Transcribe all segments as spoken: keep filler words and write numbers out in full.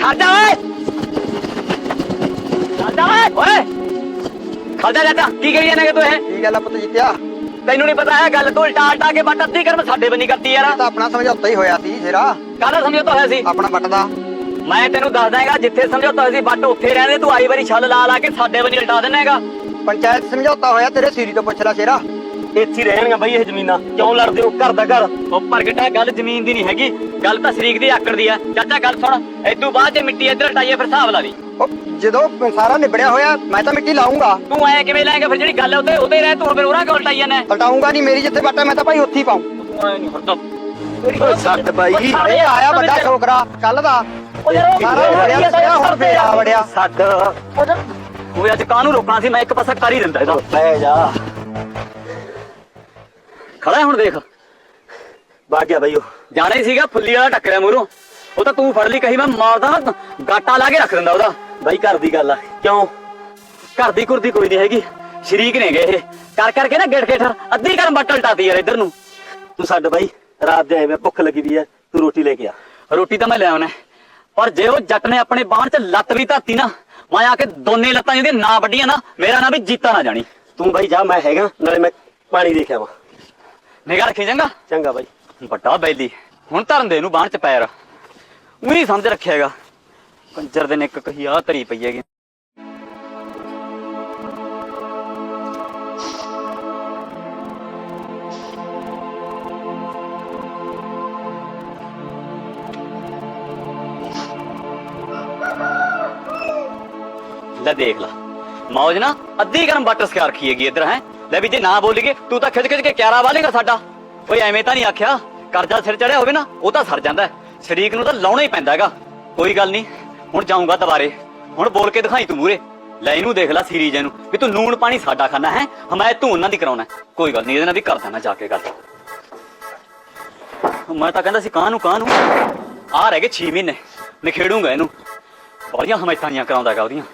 खाता है खाता है ओए खाता जाता की करी जाने के तू है ਕੀ ਗੱਲ ਆ ਪੁੱਤ ਜਿੱਤਿਆ ਤੈਨੂੰ ਨਹੀਂ ਪਤਾ ਹੈ ਗੱਲ ਤੂੰ ਉਲਟਾ ਉਲਟਾ ਕੇ ਬੱਟ ਅੱਧੀ ਕਰਮ ਸਾਡੇ ਬਣੀ ਕਰਦੀ ਯਾਰ ਤਾਂ ਆਪਣਾ ਸਮਝੌਤਾ ਹੀ ਹੋਇਆ ਸੀ ਸ਼ੇਰਾ ਕਾਹਦਾ ਸਮਝੌਤਾ ਹੋਇਆ ਸੀ ਆਪਣਾ ਬੱਟ ਦਾ ਮੈਂ ਤੈਨੂੰ ਦੱਸ ਦਾਂਗਾ ਜਿੱਥੇ ਸਮਝੌਤਾ ਹੋਇਆ ਸੀ ਬੱਟ ਉੱਥੇ ਰਹਿਣੇ ਤੂੰ ਆਈ ਵਾਰੀ ਛੱਲ ਲਾ ਲਾ ਕੇ ਸਾਡੇ ਬਣੀ ਉਲਟਾ ਦੇਣਾਗਾ ਪੰਚਾਇਤ ਸਮਝੌਤਾ ਹੋਇਆ ਤੇਰੇ ਸੀਰੀ ਤੋਂ ਪੁੱਛ ਲੈ ਸ਼ੇਰਾ ਇੱਥੇ ਰਹਿਣੀਆਂ ਬਈ ਇਹ ਜ਼ਮੀਨਾਂ ਕਿਉਂ ਲੜਦੇ ਹੋ ਘਰ ਦਾ ਘਰ ਉਹ ਪ੍ਰਗਟਾ ਗੱਲ ਜ਼ਮੀਨ ਦੀ ਨਹੀਂ ਹੈਗੀ ਗੱਲ ਤਾਂ ਸ਼ਰੀਕ ਦੀ ਆਕੜ ਦੀ ਆ ਚਾਚਾ ਗੱਲ ਸੁਣ ਇਦੋਂ ਬਾਅਦ ਜੇ ਮਿੱਟੀ ਇੱਧਰ ਹਟਾਈਏ ਫਿਰ ਹਿਸਾਬ ਲਾ ਲਈ ਉਹ ਜਦੋਂ ਸਾਰਾ ਨਿਬੜਿਆ ਹੋਇਆ ਮੈਂ ਤਾਂ ਮਿੱਟੀ ਲਾਉਂਗਾ ਤੂੰ ਐ ਕਿਵੇਂ ਲਾਏਗਾ ਫਿਰ ਜਿਹੜੀ ਗੱਲ ਉੱਤੇ ਉੱਤੇ ਰਹਿ ਤੂੰ ਫਿਰ ਉਹਨਾਂ ਕੋਲ ਹਟਾਈ ਜਾਣਾ ਹਟਾਉਂਗਾ ਨਹੀਂ ਮੇਰੀ ਜਿੱਥੇ ਬੱਟ ਮੈਂ ਤਾਂ ਭਾਈ ਉੱਥੇ ਹੀ ਪਾਉਂ ਤੂੰ ਐ ਨਹੀਂ ਹਟਦਾ ਓਏ ਸੱਟ ਬਾਈ ਇਹ ਆਇਆ ਵੱਡਾ ਛੋਕਰਾ ਕੱਲ ਦਾ ਸਾਰਾ ਵੜਿਆ ਸਿਆ ਹੁਣ ਫੇਰ ਆ ਵੜਿਆ ਛੱਡ ਉਹ ਅੱਜ ਕਾਹਨੂੰ ਰੋਕਣਾ ਸੀ ਮੈਂ ਇੱਕ ਪਾਸਾ ਕਰ ਹੀ ਦਿੰਦਾ ਇਹਦਾ ਬਹਿ ਜਾ ਖੜਾ ਹੁਣ ਦੇਖ ਵਗ ਗਿਆ ਬਾਈ ਉਹ ਜਾਣਾ ਹੀ ਸੀਗਾ ਫੁੱਲੀ ਵਾਲਾ ਟੱਕਰਿਆ ਮੂਹਰੋਂ ਉਹ ਤਾਂ ਤੂੰ ਫੜ ਲਈ ਕਹੀ ਮੈਂ ਮਾਰਦਾ ਗਾਟਾ ਲਾ ਕੇ ਰੱਖ ਦਿੰਦਾ ਉਹਦਾ ਬਾਈ ਘਰ ਦੀ ਗੱਲ ਆ ਕਿਉਂ ਘਰ ਦੀ ਕੁਰਦੀ ਕੋਈ ਨਹੀਂ ਹੈਗੀ ਸ਼ਰੀਕ ਨੇ ਗਏ ਇਹ ਕਰ ਕਰਕੇ ਨਾ ਗਿੜ ਕੇ ਠਰ ਅੱਧੀ ਕਰਮ ਬੱਟਲ ਟਾਤੀ ਯਾਰ ਇੱਧਰ ਨੂੰ ਤੂੰ ਛੱਡ ਬਾਈ ਰਾਤ ਦੇ ਐਵੇਂ ਭੁੱਖ ਲੱਗੀ ਵੀ ਐ ਤੂੰ ਰੋਟੀ ਲੈ ਕੇ ਆ ਰੋਟੀ ਤਾਂ ਮੈਂ ਲੈ ਆਉਣਾ ਪਰ ਜੇ ਉਹ ਜੱਟ ਨੇ ਆਪਣੇ ਬਾਣ 'ਚ ਲੱਤ ਵੀ ਧਾਤੀ ਨਾ ਮੈਂ ਆ ਕੇ ਦੋਨੇ ਲੱਤਾਂ ਜਿਹਦੀਆਂ ਨਾ ਵੱਡੀਆਂ ਨਾ ਮੇਰਾ ਨਾਂ ਵੀ ਜੀਤਾ ਨਾ ਜਾਣੀ ਤੂੰ ਬਾਈ ਜਾ ਮੈਂ ਹੈਗਾ ਨਾਲੇ ਮੈਂ ਪਾਣੀ ਦੇ ਕੇ ਆਵਾਂ ਨਿਗਾਹ ਰੱਖੀ ਚੰਗਾ ਚੰਗਾ ਬਾਈ ਵੱਡਾ ਬੈਲੀ ਹੁਣ ਧਰਨ ਦੇ ਇਹਨੂੰ ਬਾਣ 'ਚ ਪੈਰ ਉਹੀ ਸਮਝ ਰੱਖਿਆ ਹੈਗਾ ਕੰਜਰ ਦੇ ਨੇ ਇੱਕ ਕਹੀ ਆ ਧਰੀ ਪਈ ਹੈਗੀ ਲੈ ਦੇਖ ਲਾ ਮੌਜ ਨਾ ਅੱਧੀ ਗਰਮ ਵਾਟਰ ਸਕਿਆ ਰੱਖੀ ਹੈਗੀ ਇੱਧਰ ਹੈ ਲੈ ਵੀ ਜੇ ਨਾ ਬੋਲੀਏ ਤੂੰ ਤਾਂ ਖਿੱਚ ਖਿੱਚ ਕੇ ਕਿਆਰਾ ਵਾਲੇਗਾ ਸਾਡਾ ਓਏ ਐਵੇਂ ਤਾਂ ਨਹੀਂ ਆਖਿਆ ਕਰਜ਼ਾ ਸਿਰ ਚੜਿਆ ਹੋਵੇ ਨਾ ਉਹ ਤਾਂ ਸਰ ਜਾਂਦਾ ਸ਼ਰੀਕ ਨੂੰ ਤਾਂ ਲਾਉਣਾ ਹੀ ਪੈਂਦਾ ਹੈਗਾ ਕੋਈ ਗੱਲ ਨਹੀਂ ਹੁਣ ਜਾਊਂਗਾ ਦੁਬਾਰੇ ਹੁਣ ਬੋਲ ਕੇ ਦਿਖਾਈ ਤੂੰ ਮੂਰੇ ਲੈ ਇਹਨੂੰ ਦੇਖ ਲੈ ਸੀਰੀਜ ਇਹਨੂੰ ਵੀ ਤੂੰ ਲੂਣ ਪਾਣੀ ਸਾਡਾ ਖਾਣਾ ਹੈ ਹਮਾਇਤ ਤੂੰ ਉਹਨਾਂ ਦੀ ਕਰਾਉਣਾ ਕੋਈ ਗੱਲ ਨਹੀਂ ਇਹਦੇ ਨਾਲ ਵੀ ਕਰ ਦੇਣਾ ਜਾ ਕੇ ਗੱਲ ਮੈਂ ਤਾਂ ਕਹਿੰਦਾ ਸੀ ਕਾਹਨੂੰ ਕਾਹਨੂੰ ਆ ਰਹਿ ਗਏ ਛੇ ਮਹੀਨੇ ਨਿਖੇੜੂਗਾ ਇਹਨੂੰ ਬੜੀਆਂ ਹਮਾਇਤਾਂ ਨਹੀਂ ਕਰਾਉਂਦਾ ਹੈਗਾ ਉਹਦੀਆਂ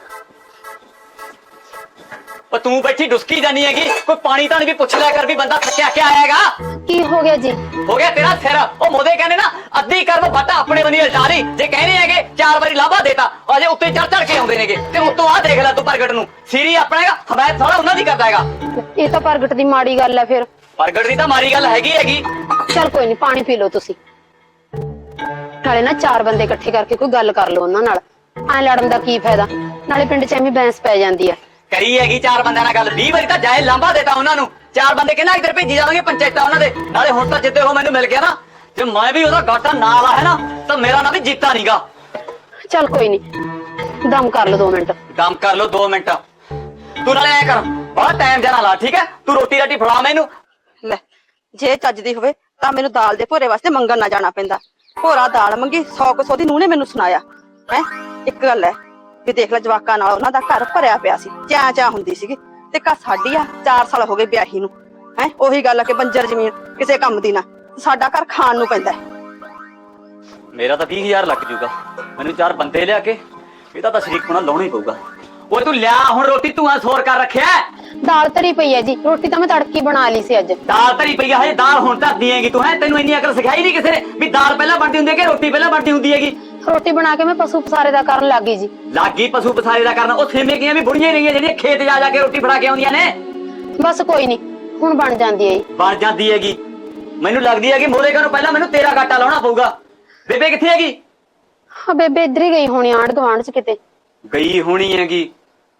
ਪਰ ਤੂੰ ਬੈਠੀ ਡੁਸਕੀ ਜਾਨੀ ਹੈਗੀ ਕੋਈ ਪਾਣੀ ਤਾਂ ਵੀ ਪੁੱਛ ਲਿਆ ਕਰ ਵੀ ਬੰਦਾ ਥੱਕਿਆ ਕਿਆ ਆਏਗਾ ਕੀ ਹੋ ਗਿਆ ਜੀ ਹੋ ਗਿਆ ਤੇਰਾ ਸਿਰ ਉਹ ਮੋਦੇ ਕਹਿੰਦੇ ਨਾ ਅੱਧੀ ਕਰਮ ਬਾਟਾ ਆਪਣੇ ਬੰਦੀ ਉਲਟਾ ਲਈ ਜੇ ਕਹਿੰਦੇ ਹੈਗੇ ਚਾਰ ਵਾਰੀ ਲਾਭਾ ਦੇਤਾ ਅਜੇ ਉੱਤੇ ਚੜ ਚੜ ਕੇ ਆਉਂਦੇ ਨੇਗੇ ਤੇ ਉੱਤੋਂ ਆਹ ਦੇਖ ਲੈ ਤੂੰ ਪ੍ਰਗਟ ਨੂੰ ਸੀਰੀ ਆਪਣਾ ਹੈਗਾ ਹਮਾਇਤ ਸਾਰਾ ਉਹਨਾਂ ਦੀ ਕਰਦਾ ਹੈਗਾ ਇਹ ਤਾਂ ਪ੍ਰਗਟ ਦੀ ਮਾੜੀ ਗੱਲ ਹੈ ਫਿਰ ਪ੍ਰਗਟ ਦੀ ਤਾਂ ਮਾਰੀ ਗੱਲ ਹੈਗੀ ਹੈਗੀ ਚਲ ਕੋਈ ਨਹੀਂ ਪਾਣੀ ਪੀ ਲਓ ਤੁਸੀਂ ਨਾਲੇ ਨਾ ਚਾਰ ਬੰਦੇ ਇਕੱਠੇ ਕਰਕੇ ਕੋਈ ਗੱਲ ਕਰ ਲਓ ਉਹਨਾਂ ਨਾਲ ਐ ਲੜਨ ਦਾ ਕੀ ਫਾਇਦਾ ਨਾਲੇ ਪਿੰਡ 'ਚ ਐਵੇਂ ਬੈਂਸ ਪੈ ਜਾਂਦੀ ਹੈ ਕਰੀ ਹੈਗੀ ਚਾਰ ਬੰਦਿਆਂ ਨਾਲ ਗੱਲ ਵੀਹ ਵਾਰੀ ਤਾਂ ਜਾਏ ਲਾਂਭਾ ਦੇਤਾ ਉਹਨਾਂ ਨੂੰ ਚਾਰ ਬੰਦੇ ਕਿੰਨਾ ਇੱਧਰ ਭੇਜੀ ਜਾਵਾਂਗੇ ਪੰਚਾਇਤਾਂ ਉਹਨਾਂ ਦੇ ਨਾਲੇ ਹੁਣ ਤਾਂ ਜਿੱਤੇ ਉਹ ਮੈਨੂੰ ਮਿਲ ਗਿਆ ਨਾ ਜੇ ਮੈਂ ਵੀ ਉਹਦਾ ਗਾਟਾ ਨਾਲ ਆ ਹੈ ਨਾ ਤਾਂ ਮੇਰਾ ਨਾਂ ਵੀ ਜੀਤਾ ਨੀਗਾ ਚਲ ਕੋਈ ਨਹੀਂ ਦਮ ਕਰ ਲਓ ਦੋ ਮਿੰਟ ਦਮ ਕਰ ਲਓ ਦੋ ਮਿੰਟ ਤੂੰ ਨਾਲੇ ਐ ਕਰ ਬੜਾ ਟਾਈਮ ਜਾਣਾ ਲਾ ਠੀਕ ਹੈ ਤੂੰ ਰੋਟੀ ਰਾਟੀ ਫੜਾ ਮੈਨੂੰ ਲੈ ਜੇ ਚੱਜਦੀ ਹੋਵੇ ਤਾਂ ਮੈਨੂੰ ਦਾਲ ਦੇ ਭੋਰੇ ਵਾਸਤੇ ਮੰਗਣ ਨਾ ਜਾਣਾ ਪੈਂਦਾ ਭੋਰਾ ਦਾਲ ਮੰਗੀ ਸੌ ਕੁ ਸੌ ਦੀ ਨੂੰਹ ਨੇ ਮੈਨੂੰ ਸੁਣਾਇਆ ਹੈ ਇੱਕ ਗੱਲ ਹੈ ਵੀ ਦੇਖ ਲੈ ਜਵਾਕਾਂ ਨਾਲ ਉਹਨਾਂ ਦਾ ਘਰ ਭਰਿਆ ਪਿਆ ਸੀ ਚਾਂ ਚਾਂ ਹੁੰਦੀ ਸੀਗੀ ਤੇ ਘਰ ਸਾਡੀ ਆ ਚਾਰ ਸਾਲ ਹੋ ਗਏ ਵਿਆਹੀ ਨੂੰ ਹੈ ਉਹੀ ਗੱਲ ਆ ਕਿ ਬੰਜਰ ਜ਼ਮੀਨ ਕਿਸੇ ਕੰਮ ਦੀ ਨਾ ਸਾਡਾ ਘਰ ਖਾਣ ਨੂੰ ਪੈਂਦਾ ਮੇਰਾ ਤਾਂ ਵੀਹ ਹਜ਼ਾਰ ਲੱਗ ਜੂਗਾ ਮੈਨੂੰ ਚਾਰ ਬੰਦੇ ਲਿਆ ਕੇ ਇਹਦਾ ਤਾਂ ਸ਼ਰੀਕ ਹੋਣਾ ਲਾਉਣਾ ਹੀ ਪਊਗਾ ਓਏ ਤੂੰ ਲਿਆ ਹੁਣ ਰੋਟੀ ਤੂੰ ਆ ਸੋਰ ਕਰ ਰੱਖਿਆ ਦਾਲ ਧਰੀ ਪਈ ਹੈ ਜੀ ਰੋਟੀ ਤਾਂ ਮੈਂ ਤੜਕੀ ਬਣਾ ਲਈ ਸੀ ਅੱਜ ਦਾਲ ਧਰੀ ਪਈ ਆ ਹਜੇ ਦਾਲ ਹੁਣ ਧਰਦੀ ਹੈਗੀ ਤੂੰ ਹੈ ਤੈਨੂੰ ਇੰਨੀ ਅਕਲ ਸਿਖਾਈ ਨਹੀਂ ਕਿਸੇ ਨੇ ਵੀ ਦਾਲ ਪਹਿਲਾਂ ਬਣਦੀ ਹੁੰਦੀ ਹੈ ਕਿ ਰੋਟੀ ਪਹਿਲਾਂ ਬਣਦੀ ਹੁੰਦੀ ਹੈਗੀ ਰੋਟੀ ਬਣਾ ਕੇ ਮੈਂ ਪਸ਼ੂ ਪਸਾਰੇ ਦਾ ਕਰਨ ਲੱਗ ਗਈ ਜੀ ਲਾਗੀ ਪਸ਼ੂ ਪਸਾਰੇ ਦਾ ਕਰਨਾ ਉਹ ਸੇਮੇ ਗਈਆਂ ਵੀ ਬੁੜੀਆਂ ਰਹੀਆਂ ਜਿਹੜੀਆਂ ਖੇਤ ਜਾ ਜਾ ਕੇ ਰੋਟੀ ਫੜਾ ਕੇ ਆਉਂਦੀਆਂ ਨੇ ਬਸ ਕੋਈ ਨਹੀਂ ਹੁਣ ਬਣ ਜਾਂਦੀ ਹੈ ਜੀ ਬਣ ਜਾਂਦੀ ਹੈਗੀ ਮੈਨੂੰ ਲੱਗਦੀ ਹੈ ਕਿ ਮੋਰੇ ਨੂੰ ਪਹਿਲਾਂ ਮੈਨੂੰ ਤੇਰਾ ਗਾਟਾ ਲਾਉਣਾ ਪਊਗਾ ਬੇਬੇ ਕਿੱਥੇ ਹੈਗੀ ਹਾਂ ਬੇਬੇ ਇੱਧਰ ਹੀ ਗਈ ਹੋਣੀ ਆਂਢ ਗੁਆਂਢ 'ਚ ਕਿਤੇ ਗਈ ਹੋਣੀ ਹੈਗੀ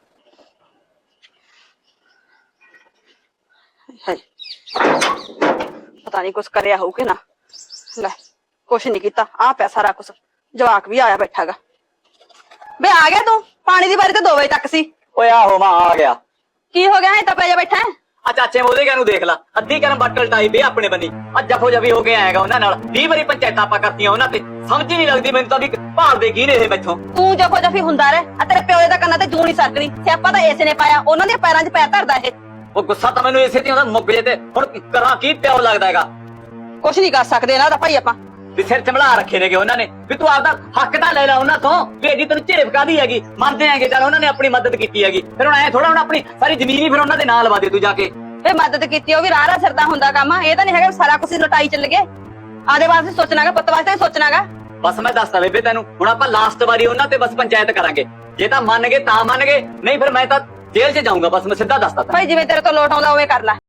ਪਤਾ ਨਹੀਂ ਕੁਛ ਕਰਿਆ ਹੋਊ ਕਿ ਨਾ ਲੈ ਕੁਛ ਨਹੀਂ ਕੀਤਾ ਆ ਪਿਆ ਸਾਰਾ ਕੁਛ ਜਵਾਕ ਵੀ ਆਇਆ ਬੈਠਾਗਾ ਬੇ ਆ ਗਿਆ ਤੂੰ ਪਾਣੀ ਦੀ ਵਾਰੀ ਤਾਂ ਦੋ ਵਜੇ ਤੱਕ ਸੀ ਓਏ ਆਹੋ ਮੈਂ ਆ ਗਿਆ ਕੀ ਹੋ ਗਿਆ ਐ ਤਾਂ ਪੈ ਜਾ ਬੈਠਾ ਆ ਚਾਚੇ ਮੋਦੇ ਨੂੰ ਦੇਖ ਲਾ ਅੱਧੀ ਕਰਮ ਬੱਟਲ ਟਾਈ ਪਈ ਆਪਣੇ ਬੰਨੀ ਆ ਜਫੋ ਜਫੀ ਹੋ ਕੇ ਆਏਗਾ ਉਹਨਾਂ ਨਾਲ ਵੀਹ ਵਾਰੀ ਪੰਚਾਇਤਾਂ ਆਪਾਂ ਕਰਤੀਆਂ ਉਹਨਾਂ ਤੇ ਸਮਝ ਹੀ ਨਹੀਂ ਲੱਗਦੀ ਮੈਨੂੰ ਤਾਂ ਵੀ ਭਾਲਦੇ ਕੀ ਨੇ ਇਹ ਮੈਥੋਂ ਤੂੰ ਜਫੋ ਜਫੀ ਹੁੰਦਾ ਰਹਿ ਆ ਤੇਰੇ ਪਿਓ ਦਾ ਕੰਨਾਂ ਤੇ ਜੂੰ ਨਹੀਂ ਸਰਕਣੀ ਸਿਆਪਾ ਤਾਂ ਇਸੇ ਨੇ ਪਾਇਆ ਉਹਨਾਂ ਦੇ ਪੈਰਾਂ 'ਚ ਪੈਰ ਧਰਦਾ ਇਹ ਉਹ ਗੁੱਸਾ ਤਾਂ ਮੈਨੂੰ ਇਸੇ ਤੇ ਆਉਂਦਾ ਮੁੱਕ ਜੇ ਤੇ ਹੁਣ ਕਰਾਂ ਕੀ ਪਿਓ ਲੱਗਦਾ ਹੈਗਾ ਕੁਛ ਨਹੀਂ ਕਰ ਸਕਦੇ ਇਹਨਾਂ ਦਾ ਭਾਈ ਆਪਾਂ ਵੀ ਸਿਰ ਚਮਲਾ ਰੱਖੇ ਨੇਗੇ ਉਹਨਾਂ ਨੇ ਵੀ ਤੂੰ ਆਪਦਾ ਹੱਕ ਤਾਂ ਲੈ ਲੈ ਉਹਨਾਂ ਤੋਂ ਵੀ ਇਹਦੀ ਤੈਨੂੰ ਝੇਪ ਕਾਦੀ ਹੈਗੀ ਮੰਨਦੇ ਹੈਗੇ ਚੱਲ ਉਹਨਾਂ ਨੇ ਆਪਣੀ ਮਦਦ ਕੀਤੀ ਹੈਗੀ ਫਿਰ ਹੁਣ ਐ ਥੋੜਾ ਹੁਣ ਆਪਣੀ ਸਾਰੀ ਜ਼ਮੀਨ ਹੀ ਫਿਰ ਉਹਨਾਂ ਦੇ ਨਾਲ ਲਵਾ ਦੇ ਤੂੰ ਜਾ ਕੇ ਇਹ ਮਦਦ ਕੀਤੀ ਉਹ ਵੀ ਰਾਹ ਰਾਹ ਸਿਰਦਾ ਹੁੰਦਾ ਕੰਮ ਇਹ ਤਾਂ ਨਹੀਂ ਹੈਗਾ ਸਾਰਾ ਕੁਝ ਲਟਾਈ ਚੱਲ ਗਏ ਆਦੇ ਵਾਸਤੇ ਸੋਚਣਾਗਾ ਪੁੱਤ ਵਾਸਤੇ ਸੋਚਣਾਗਾ ਬਸ ਮੈਂ ਦੱਸਦਾ ਬੇਬੇ ਤੈਨੂੰ, ਹੁਣ ਆਪਾਂ ਲਾਸਟ ਵਾਰੀ ਉਹਨਾਂ ਤੇ ਬਸ ਪੰਚਾਇਤ ਕਰਾਂਗੇ। ਜੇ ਤਾਂ ਮੰਨ ਗਏ ਤਾਂ ਮੰਨ ਗਏ, ਨਹੀਂ ਫਿਰ ਮੈਂ ਤਾਂ ਜੇਲ੍ਹ 'ਚ ਜਾਊਂਗਾ। ਬਸ ਮੈਂ ਸਿੱਧਾ ਦੱਸਦਾ ਤੈਨੂੰ। ਭਾਈ ਜਿਵੇਂ ਤੇਰੇ ਤੋਂ ਲੋਟ ਆਉਂਦਾ ਉਵੇਂ ਕਰ ਲੈ।